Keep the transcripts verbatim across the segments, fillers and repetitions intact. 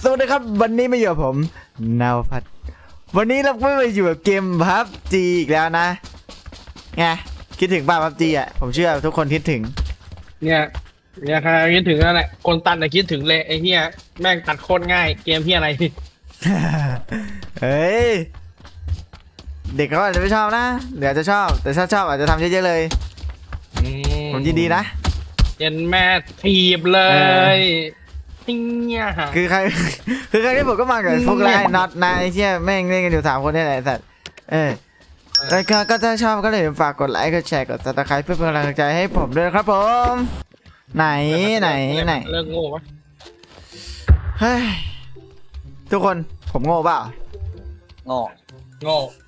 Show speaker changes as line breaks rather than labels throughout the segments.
สวัสดีครับวันนี้มาอยู่กับผมนาวพัฒน์วันนี้เราก็มาอยู่กับเกมพับจีอีกแล้วนะไงคิดถึงป่ะพับจีอ่ะผมเชื่อทุกคนคิดถึง
เนี่ยเนี่ยใครคิดถึงนั่นแหละคนตัดน่ะคิดถึงเลยไอ้เหี้ยแม่งตัดโคตรง่ายเกมเหี้ยอะไร
เฮ้ยเด็กเขาอาจจะไม่ชอบนะเดี๋ยวจะชอบแต่ถ้าชอบอาจจะทำเยอะๆเลยผมยินดีนะ
เย็นแม่ทีบเลยเนี่ย
คือใครคือใครที่ผมก็มากับพวกไลน์น็อตนะไอ้เชี่ยแม่งเล่นกันอยู่สามคนนี่แหละไอ้สัตว์เออแล้วก็ก็ถ้าชอบก็เลยฝากกดไลค์กดแชร์กดซับสไครป์เพื่อเป็นกำลังใจให้ผมด้วยครับผมไหนไหนไหน
เลิกโง่ปะ
เฮ้ยทุกคนผมโง่เปล่า
โง่
โง่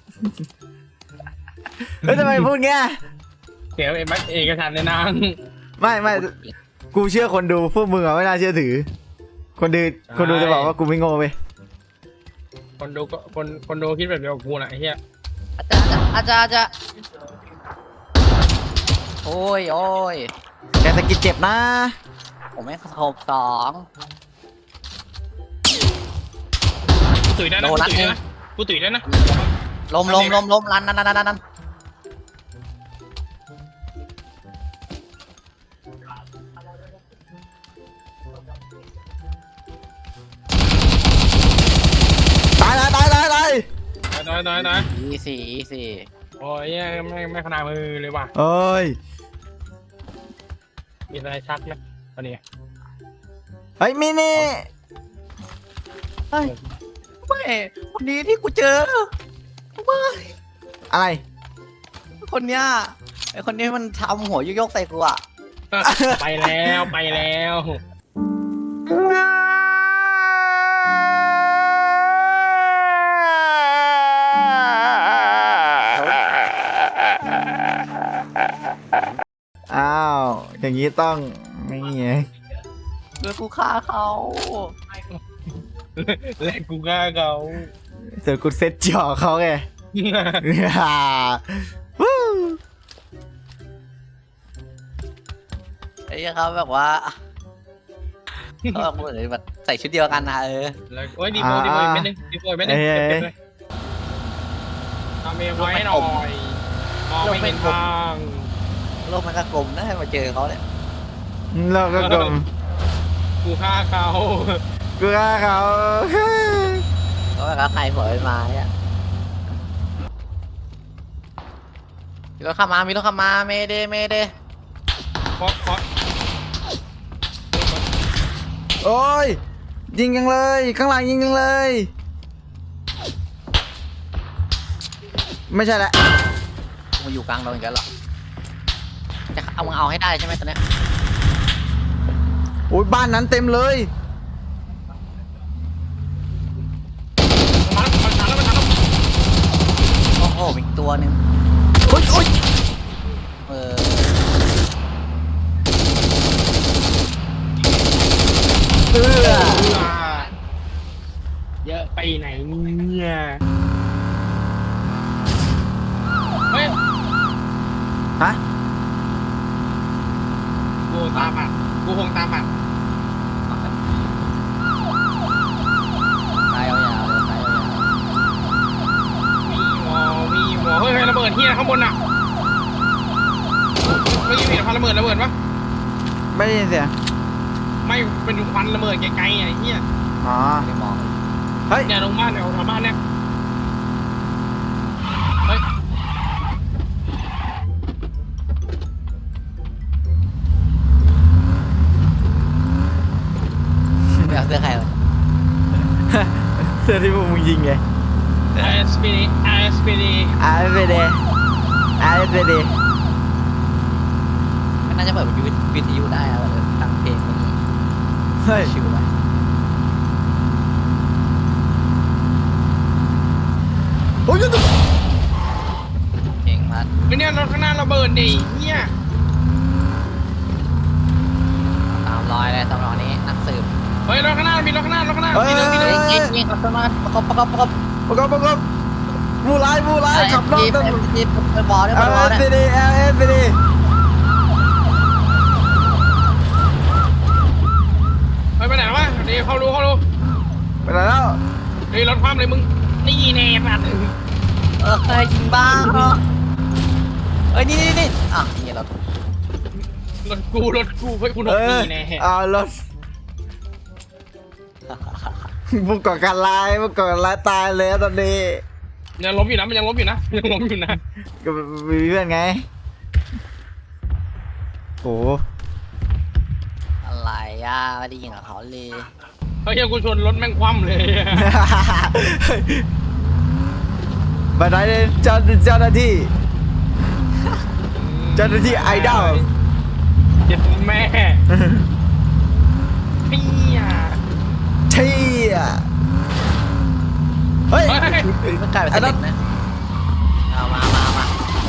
เฮ้ยทำไมพูดเงี้ย
เสียเอกเอกสารในนาง
ไม่ไม่กูเชื่อคนดูพวกมึงอะไม่น่าเชื่อถือคนดูคนดูจะบอกว่ากูไม่โง่ไป
คนดูก็คนคนดูคิดแบบเดียวกับกูน่ะไอ้เหี้ย
อาจารย์อาจารย์โอ้ยโอ้ย
แกสะกิดเจ็บนะ
ผมไม่ขบสอง
กูตุ๋ยได้นะกูตุ๋ยได้นะกูตุ๋ยได้นะ
ลมลมลมลมรันนันนันนัน
ตายตายตายตายตาย
น้อยน้อยน้อย
อีสี่อีสี่
โอ้ยไม่ไม่ขนาดมือเลยว่ะ
โอ้ย
มีอะไรชักไหมตอนนี้
เฮ้ยมินิ
เฮ้ยไม่คนนี้ที่กูเจอไม่
อะไร
คนเนี้ยไอคนนี้มันทำหัวโยกใส่กูอะ
ไปแล้วไปแล้ว
อ้าวอย่างนี้ต้องไม่เงี้ย
เดี๋ยวกูฆ่าเขา
และกูฆ่าเขา
เสือกูเซ็ตจ่อเขาไง
ไอ้เขาแบบว่าเขาแบบเหมือนแบบใส่ชุดเดียวกันนะเออ
แล้วโอ้ยดีโบดีโบไม่นึงดีโบไม่นึงเก็บเลยทำเองไว้หน่อยมองไม่เห็นทาง
โลกมันก็กลมนะให้มาเจอเขาเนี่ย
โลกก็กลม
กูฆ่าเขา
กูฆ่าเขา
เขาแบบใครหัวเป็นไม้อะมีรถขับมามีรถขับมาเมเดเมเด
เคาะเคาะ
โอ้ยยิงยังเลยข้างหลังยิงยังเลยไม่ใช่ละ
มาอยู่กลางเราอย่างนั้นหรอจะเอามึงเอาให้ได้ใช่ไหมตอนนี้
โอ้ยบ้านนั้นเต็มเลย
มันมันทันแล้วมันทันแล้ว
โอ้โหอีกตัวหนึ่ง
โอ้ยโอ้ย
เออ
เออ
เยอะไปไหนเนี่ยเฮ้ย
ฮะ
กูตามอ่ะกูคงตามอ่ะ
ตายยาวๆตายยาว
มีวอมีวอเฮ้ยระเบิดเฮียข้างบนอ่ะเมื่อกี้เห็นควันระเบิดระเบิดปะ
ไม่ได้ยินเสียง
ไม่เป็นควันระเบิดไกลๆไอ้เฮีย
อ๋อ
ไม่มอง
เฮ้ย
เนี่ยลงบ้านเนี่ยลงบ้านเนี่ยเฮ้ย
ไม่เอาเสื้อใครเลย
เสื้อที่พวกมึงยิงไง
ไอ เอส พี ดี ไอ เอส พี ดี
ไอ เอส พี ดี ไอ เอส พี ดี
มันน่าจะเปิดวิทยุได้อะแบบตั้งเพลงนี้
เฮ้ย
ชิวไหม
โอ้ย
เพลงพัด
ไม่เนี่ยรถข้างหน้าระเบิดดิเฮีย
ตามรอยเลยตามรอยนี้นักสืบ
เฮ้ยรถข้างหน้ามีรถข้างหน้ารถข้างหน้ามีรถมีรถ
ยิงยิงขับมาประกบประกบประกบ
ประกอบประกอบบูไลบูไลขับรถต้อง
จีบไปบอลเนี่ย
เอ
บอล
ส
เนี่ย
พี ดี เอส พี ดี
ไปไปไหนวะเดี๋ยวเขารู้เขารู้
ไปไหนแล้ว
เฮ้ยรถคว่ำเลยมึงนี่แน่สัตว์
เออยิงบ้างเนาะเอ้ยนี่นี่นี่อ่ะนี่รถ
รถกูรถกูเฮ้ยคุณห
เอก อ
นี่แน่
เอารถบุกก่อการร้ายบุกก่อการร้ายตายเลยตอนนี้
ยังล้มอยู่นะมันยังล้มอยู่นะยังล้มอยู่นะ
ก็มีเพื่อนไงโอ้
อะไรอ่ะไม่ได้ยิงกับเขาเลย
เฮ้ยกูชนรถแม่งคว่ำเลย
บันไดเลยเจ้าเจ้าหน้าที่เจ้าหน้าที่ไอดอล
เจ็ดแม่เปี้ย
เชี่ยเฮ้ย
เฮ้ย
ไม่กลายเป็นเด็กนะเอามามามาโอ้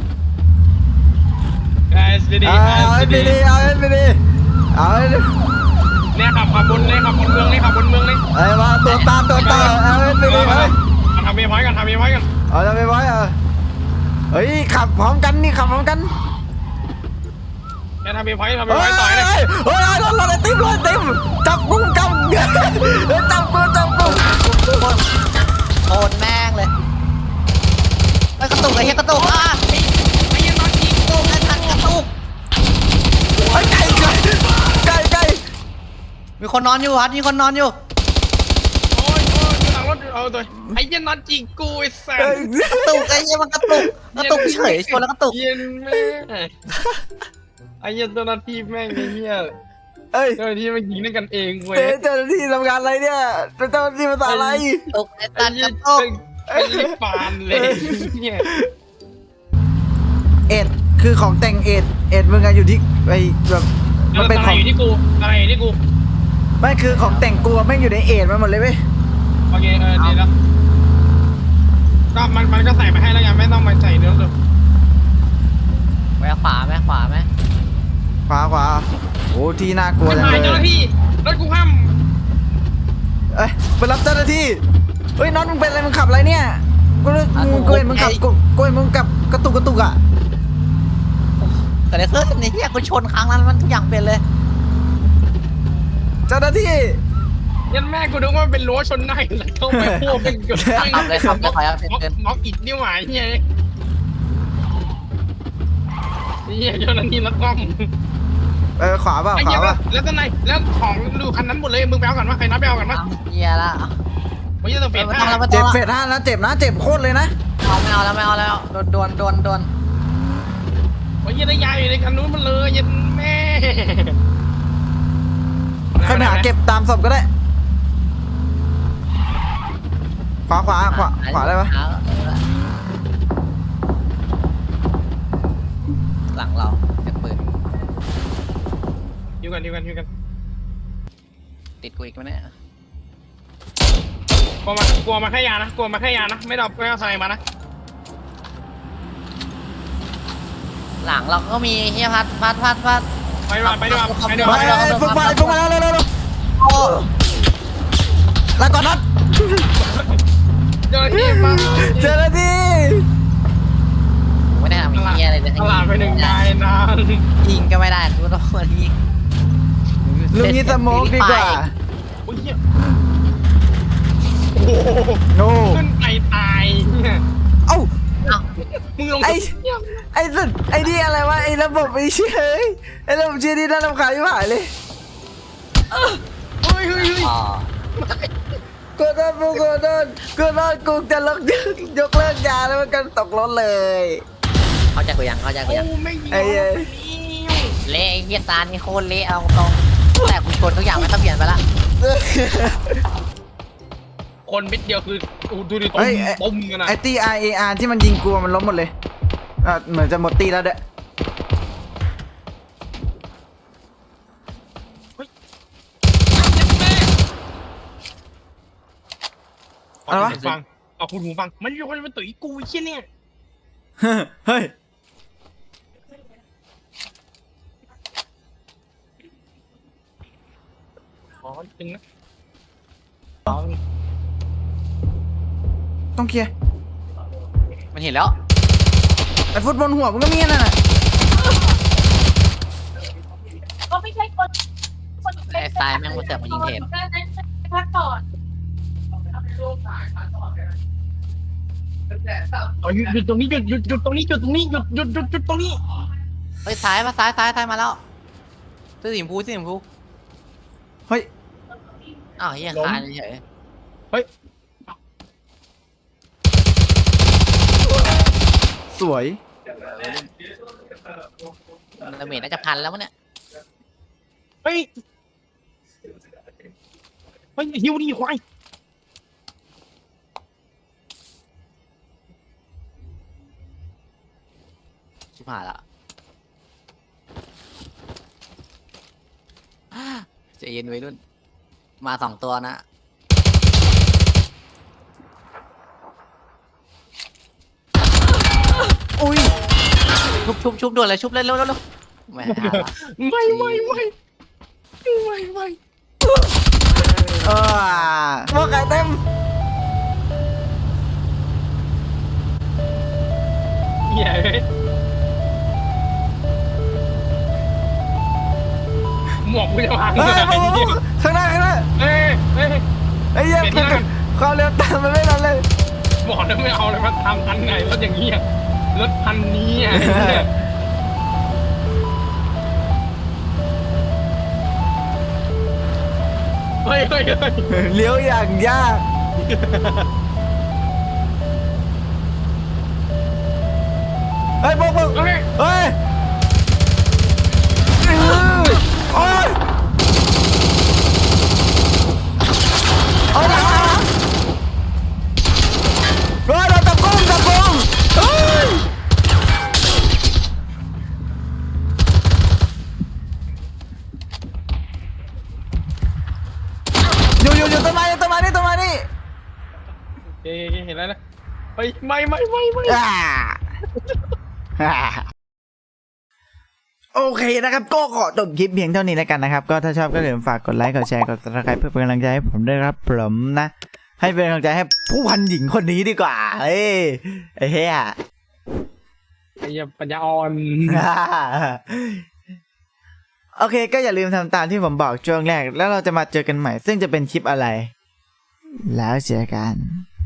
ไอ้สดี
เอาเอาไปดิเอาไปดิเอาไปดิ
เนี่ยขับขับบนเลยขับบนเมืองเลยขับบนเมืองเลย
เอ้ยมาตัวตามตัวตามเอาไปดิเฮ้ย
ทำเมียพอยกันทำเมียพอยกัน
เอาจะไปไว้เออเฮ้ยขับพร้อมกันนี่ขับพร้อมกัน
แกทำเมียพอยทำเมีย
เฮ้
พอย ยต่อยเลย
เฮ้ยเฮ้ยรถรถไอติมรถไอติมจับกูจับเฮ้ยจับกูจับกู
โคตรแม่งเลยไอ้กระตุกไอ้เหี้ยกระตุกอ่ะ
ไอ้ยันนอนยิง
กระตุกไอ้ทันกระตุก
เฮ้ยไก่ไก่ไก่ไก่
มีคนนอนอยู่ฮัทมีคนนอนอยู่
โอ้ยโอ้ยหลังรถเอาตัวไอ้ยันนอนยิงกูไอ้สัส
เฮ้ย
กระตุกไอ้เหี้ยมันกระตุกกระตุกเฉยชนแล้วกระตุก
เย็นแม่ไอ้ยันตัวนาทีแม่งไอ้เหี้ย
เฮ้ย
เจ้าหน้าที่มันยิงด้วยกันเองเว้ย
เจ๊เจ้าหน้าที่ทำงานอะไรเนี่ยเจ้าหน้าที่มาทำอะไร
ตกไอ้
ไอ้
ตันก
ยี่
ระตุก
ไอ้ยี่ปานเลยเนี่ย
เอ็ดคือของแต่งเอ็ดเอ็ดมึงอะอยู่ที่ไอแบบมันเป็น
อะ
ข
ไร
อง
อยู่ที่กูอะไรอยู่ที่กู
ไม่คือของแต่งกูอะแม่งอยู่ในเอ็ดมันหมดเลยเว้ย
โอเคเออดีแล้วก็มันมันก็ใส่มาให้แล้วไงไม่ต้องมาใส่เนื้อเลย
แม่ขวาแม่ขวาแม่
ขวาขวาโอ้ที่น่ากลัว
ไม่
จัง
ถ่าย
เล
เจ้าหน้าย ที่รถกูห้าม
เอ้ยไปรับเจ้าหน้าที่เฮ้ยน็อตมึงเป็นอะไรมึงขับอะไรเนี่ยกูรู้มึงกูเห็นมึงขับกูกูเห็นมึงขับกระตุกกระตุกอะ
แต่ในเครื่องในเหี้ยกูชนครั้งนั้นมันทุกอย่างเป็นเลย
เจ้าหน้าที่
ยันแม่กูนึกว่าเป็นรั้วชนหน้าแล้วเข้าไปพวกเป็นเกิด
ขับเลยขับเลยขออนุญาตเป็น
ม็อก
เกิน
ม็อกอิดนี่หว่าเฮียเฮียเจ้าหน้าที่รถกล้อง
เออขวาเปล่า
ไอ้
ข
เหี้
วาย เปล่า
แล้วตอนไหนแล้วของดูคันนั้นหมดเลยมึงไปเอากันวะใครนับไปเอากันวะ
เหี้ยละ
ไม่ใช่ตัวเฟ
ไม่
ส
ต้อง
ห้า
แล้วไม่ต้
เจ็
อบ ง
เฟ
แล้ว
สห้านะเจ็บนะเจ็บโคตรเลยนะ
เอาไม่เอาแล้วไม่เอาแล้วโดนโดนโดนโดน
ไม่ใช่ได้ยายอยู่ในคันนู้นมันเลยยันแม่
ใครไปหาเก็บตามศพก็ได้ขวาขวาขวาขวาได้ปะ
หลังเราเสียงปืน
อยู่กันอยู่กันอยู่กัน
ติดกูอีกไหมเนี่ย
กลัวมากลัวมาแค่ยานะกลัวมาแค่ยานะไม่เอาไม่เอาสไนมานะ
หลังเราก็มีเฮียพัดพัดพัดพัด
ไปดีกว่าไปดีกว่าไปดีก
ไป
ว่า
ไปฝึกไฟฝึกมาแล้วเร็วเร็วเร็ว
โอ้
แล้วก่อนนัด
เจ้าหน้าที่มา
เจ้าหน้าที่
ไม่ได้ทำเฮียอะไรเลย
ตลาดไปหนึ่งนายนาน
ยิงก็ไม่ได้กูต้องมายิง
ลุงนี้สโมกดีกว่า
โอ้ยโอ้โห
โน่
ขึ้นไปตายเนี่ย
เอ้า
อ้าว
มึงลง
ไอ้ไอ้สุดไอ้นี่อะไรวะไอ้ระบบไอ้เชี่ยเอ้ยไอ้ระบบเชี่ยนี่น่ารำคาญที่หายเลย
เฮ้ยเฮ้ยเฮ้ย
อ๋อ
กูโดนกูกูโดนกูโดนกูจะลกยกเลิกยาแล้วมันก็ตกรถเลย
เข้าใจกูยังเข้าใจกู
โอ้
ยัง
ไม่ยิง
ไอ้เอ้ย
เละไอ้เฮียตานี่โคตรเละเอาตรงแต่กูชนทุกอย่างไม่ต้องเปลี่ยนไปละ
คนเม็ดเดียวคือดูดิต้
เฮ้
ม
ยไอ้
ต้มกันนะ
ไอ้ตี R A R ที่มันยิงกูมันล้มหมดเลยอ่ะเหมือนจะหมดตีแล้วเด้อ
อะไรวะฟังเอาคุณหูฟังมันอยู่คนเป็นตุ๋ยกูไอ้เชี่ยเนี่ย
เฮ้ย
อ๋อจริงนะ
ต้องเคลียร์
มันเห็นแล้ว
ไอ้ฟุตบอลหัวมันก็มีนั่นน่ะ
ก็ไม่ใช่คนคน
ไอ้ทรายแม่งมาเสือกมายิงเทป
พักก่อน
เอาหยุดหยุดตรงนี้หยุดหยุดหยุดตรงนี้หยุดตรงนี้หยุดหยุดหยุดหยุดตรงนี้
เฮ้ยซ้ายมาซ้ายซ้ายซ้ายมาแล้วเสื้อสีชมพูเสื้อสีชมพู
เฮ้ย
อ้าวเฮียคานเฉย
สวย
ดาเมจน่าจะพันแล้วมั้งเนี่ย
เฮ้ยเฮ้ยหิวดิควาย
ชิบหายละใจเย็นไว้รุ่นมาสองตัวนะอุ้ยชุบชุบชุบด่วนเลยชุบเลยเร็วเร็วเร็วไม่ทันละ
ไม่ไม่ไม่ไม่ไม่
เออพวกไก่เต็ม
เหี้ยเฮ้ยหมวกกูจะพัง
เฮ้ย
เลย
พวกพวกข้างหน้าข้างหน้า
เฮ้ยเฮ้ย
ไอ้เหี้ย
เปลี่ยนหน้า
ความเร็วตามมันไม่ทันเลย
บอกแล้วไม่เอาเลยมาทำทันไงรถอย่างนี้อะรถพันนี้อ่ะเฮ้ยเฮ้ยเฮ้ย
เลี้ยวอย่างยากเฮ้ยพวกพวก
เฮ้ย
เฮ้ยโอ้ยโอ้ยนะเฮ้ยเราตะกุ่มตะกุ่มเฮ้ยอยู่อยู่อยู่ต้นไม้ต้นไม้นี่ต้นไม้นี่
เฮ้ยเห็นแล้วนะเฮ้ยไม่ไม่ไม่ไม่
อ่าอ่าโอเคนะครับก็ขอจบคลิปเพียงเท่านี้แล้วกันนะครับก็ถ้าชอบก็อย่าลืมฝากกดไลค์กดแชร์กด ซับสไครบ์ เพื่อเป็นกำลังใจให้ผมด้วยครับผมนะให้เป็นกำลังใจให้ผู้พันหญิงคนนี้ดีกว่าเอ้ยไอ้เหี้ย
ไอ้เหี้ยปัญญาอ่อน
โอเคก็อย่าลืมทำตามที่ผมบอกช่วงแรกแล้วเราจะมาเจอกันใหม่ซึ่งจะเป็นคลิปอะไร แล้วเจอกัน